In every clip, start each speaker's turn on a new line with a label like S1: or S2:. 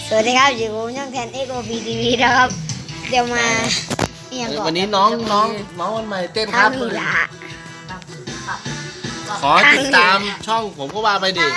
S1: สวัสดีครับอยู่กับช่องแทน XOP TV นะครับ เดี๋ยวมา
S2: วันนี้น้องวันใหม่เต้นค
S1: ทา
S2: รั
S1: ง
S2: บ
S1: นี้ละ
S2: ขอติดตามช่องผมก็ว่าไปดิ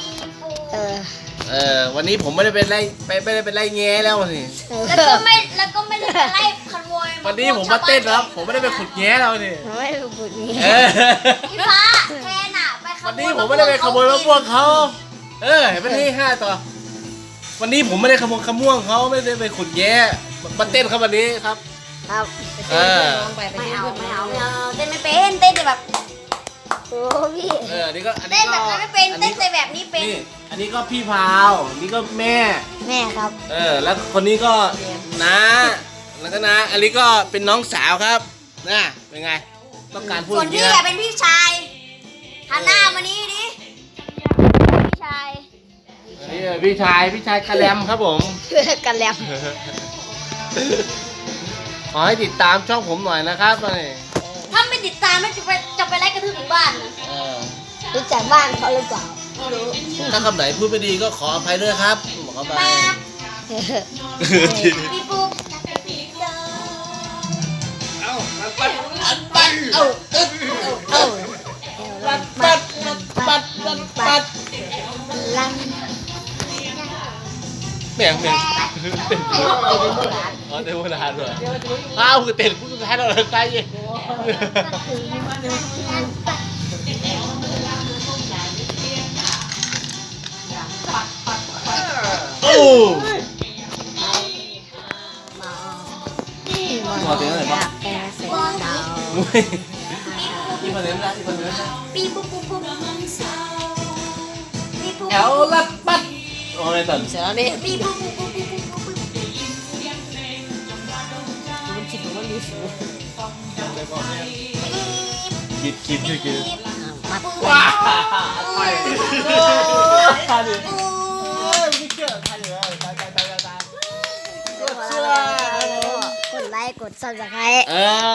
S2: วันนี้ผมไม่ได้เป็นไล่แง่แล้วสิ
S3: แล้วก็ไม่ได้ไปไล่ขโมย
S2: วันนี้ผมมาเต้นครับผมไม่ได้ไปขุดแง่แล้วนี่
S1: ไม่ได้บุญนี้
S3: พี่ฟ้าแทนอ่ะไปขโมย
S2: วันนี้ผมไม่ได้ไปขโมยมะม่วงเขาเห็นไหมนี่5 ต่อวันนี้ผมไม่ได้ขโมยมะม่วงเขาไม่ได้ไปขุดแง่มาเต้นครับวันนี้ครับ
S1: ครับ
S3: ไม่เอาเต้นไม่เป็นเต้นแต่แบบ
S1: โอ้พี่
S2: นี่ก็
S3: เต้นแบบนั้นไม่เป็นเต้นแต่แบบนี้เป็น
S2: นี่อันนี้ก็พี่พาวนี่ก็แม่
S1: แม่ครับ
S2: แล้วคนนี้ก็น้าแล้วก็น้าอันนี้ก็เป็นน้องสาวครับน่ะเป็นไงต้องการพูด
S3: ส่วน
S2: อย่าง
S3: พี่
S2: นี้
S3: อะ
S2: นะ
S3: เป็นพี่ชายหันหน้ามานี่ดิพี่ชาย
S2: นี่พี่ชายกระแลมครับผม
S1: กันแล้ว
S2: ขอให้ติดตามช่องผมหน่อยนะครับนี่
S3: ถ้าไม่ติดตามไม่จะไปไล่กระทืบถึงบ้านนะ
S1: รู้จักบ้านเขาหรือเปล่า
S3: ไม่รู้
S2: ถ้าคำไหนพูดไม่ดีก็ขออภัยด้วยครับบอกเขาไป
S3: แป๊บพี่ปุ๊ก
S2: ปัด
S1: ลัง
S2: เมียงอ๋อเดี๋ยวพูดนานด้วยอ้าวคือเต้นพูดสุดท้ายเราเลยใกล้ยี่โอ้ขอเสียงหน่อยป่ะ
S1: แอร์เสร็จดาว
S2: อีกคนนึงนะอีกคนนึงนะ
S3: ปีปุ๊กปุ๊กปุ๊กปีปุ๊ก
S2: แอลลัดปัดโอ้ยตอนเสร็จแล้วนี่
S3: ปีปุ๊กปุ๊กปุ๊กปุ๊กปุ๊ก
S1: มันคิดว่ามันมีสูง
S2: คิด
S1: มา
S2: ว้าไปตายดิไม่เชื่อตายเลยตายกดไลค์กดซับสไครต์